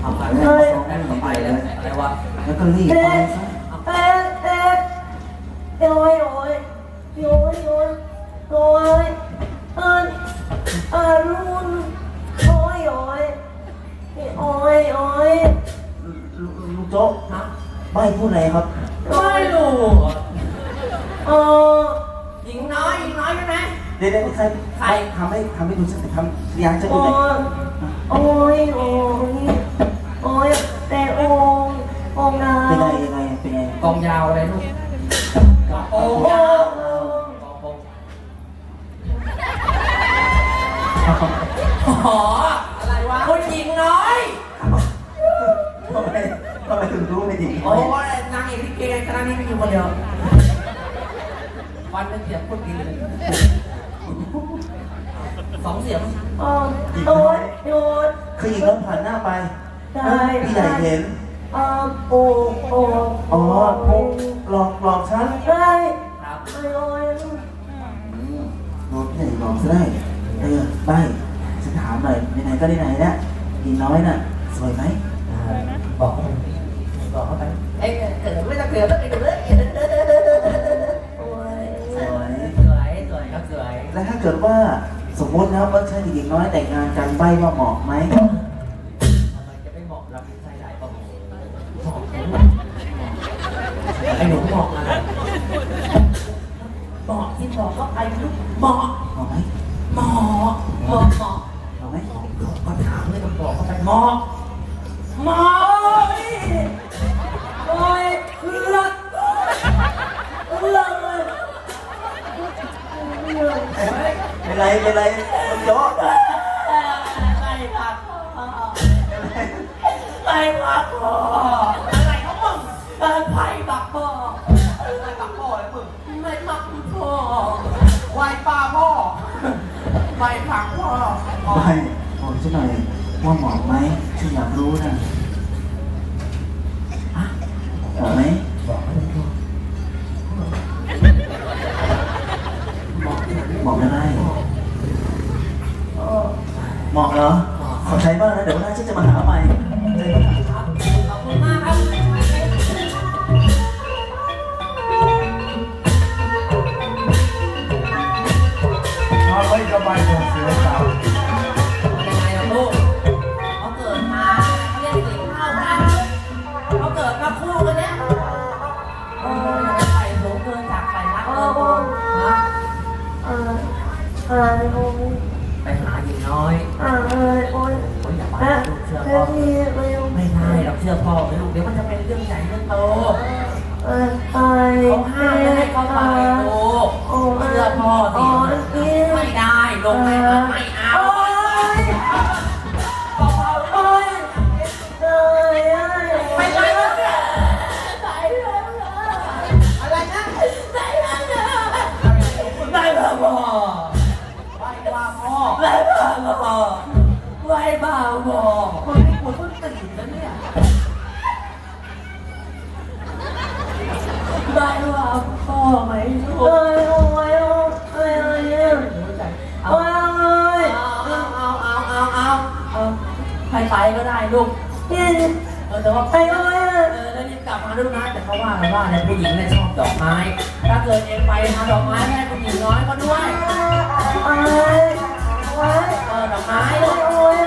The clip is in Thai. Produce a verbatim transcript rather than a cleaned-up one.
เอาไปเลยไปเลยอะไรวะแล้วก็รีบไปซะเอ๊ะเอ๊ะโอ้ยโอ้ยโอ้ยโอ้ยโอ้ยอันอารุณโอ้ยโอ้ยโอ้ยโอ้ยลูกโจ๊กนะไม่พูดอะไรครับไม่รู้เออหญิงน้อยหญิงน้อยใช่ไหมเดี๋ยวๆใครใครทำให้ทำให้ดูฉันทำยังจะดูไหนโอ้ยโอ้ยโอ้ยแต่องค์องค์นาเป็นไงยังไงเป็นไงกองยาวอะไรลูกโอ้ยอ๋ออะไรวะคนหญิงน้อยทำไมทำไมถึงรู้เป็นหญิงน้อยโอ้ยนางเอกลิเกคณะนี้ไม่อยู่คนเดียววันเป็นเสียงคนดีเลยสองเสียงอ๋อโอ้ยโอ้ยคือหญิงแล้วผ่านหน้าไปพี่ใหญ่เห็นอ๋อโอ้โอ้อ๋อหลอกหลอกฉันใช่ครับโอ้ยโดนพี่ใหญ่หลอกซะได้เออใบฉันถามหน่อยไหนๆก็ได้ไหนแล้วหญิงน้อยน่ะสวยไหมบอกเขาไปบอกเขาไปเอ้ยเกิดไม่ต้องเกิดต้องไปดูเลยโอ้ยสวยสวยสวยครับสวยแล้วถ้าเกิดว่าสมมตินะว่าฉันกับหญิงน้อยแต่งงานกันใบว่าเหมาะไหมทำไมจะไม่เหมาะเราเป็นชายหลายปะเหมาะไอ้หนูเหมาะอะไรเหมาะที่บอกก็ไปลูกเหมาะเหมาะไหมเหมาะเหมาะเหมาะเหมาะไหมก็ถามเลยต้องบอกก็ไปเหมาะเหมาะโอ้ยเลือดเลือดเลยเป็นไรเป็นไรมันโจ๊กไปพักไปพักพ่ออะไรเขามึงไปพักพ่อไปพักพ่อเลยมึงไม่พักพ่อไหวป่าพ่อไปพักพ่อไม่บอกฉันหน่อยว่าเหมาะไหมฉันอยากรู้นะเหมาะไหมบอกไม่ถูกบอกอะไรเหมาะเหรอขอใช้บ้างนะเดี๋ยวหน้าฉันจะมาหาใหม่ขอบคุณมากครับเอาไว้สบายของเสือสาวยังไงล่ะลูกเขาเกิดมาเขาเรียกสิ่งเท่ากันเขาเกิดมาคู่กันเนี้ยเออไฟสูงเกินจากไฟรักเออนะเออเออโอ้ยไปหาหญิงน้อยเออเออโอ้ยโอ้ยอย่าไปลูกเชื่อพ่อไม่ได้เราเชื่อพ่อไปลูกเดี๋ยวมันจะเป็นเรื่องใหญ่เรื่องโตเออไปเขาห้ามไม่ให้เขาไปลูกเชื่อพ่อสิไม่ได้ลงไม่ไม่เอาโอ้ยเอ้ยไปไปไปอะไรนะไปไปบ้าพ่อไปบ้าพ่อไปบ้าพ่อไปบ้าพ่อคนนี้คนต้องตื่นแล้วเนี่ยได้ว่าพ่อไหมลูกเอ้ยโอ้ยโอ้ยโอ้ยโอ้ยเอาเอาเอาเอาเอาเอาใครไปก็ได้ลูกเออแต่ว่าไปโอ้ยเออแล้วรีบกลับมาลูกนะแต่เขาว่ากันว่าเนี่ยผู้หญิงเนี่ยชอบดอกไม้ถ้าเกิดเองไปหาดอกไม้ให้ผู้หญิงน้อยก็ด้วยโอ้ยโอ้ยเออดอกไม้ลูกโอ้ย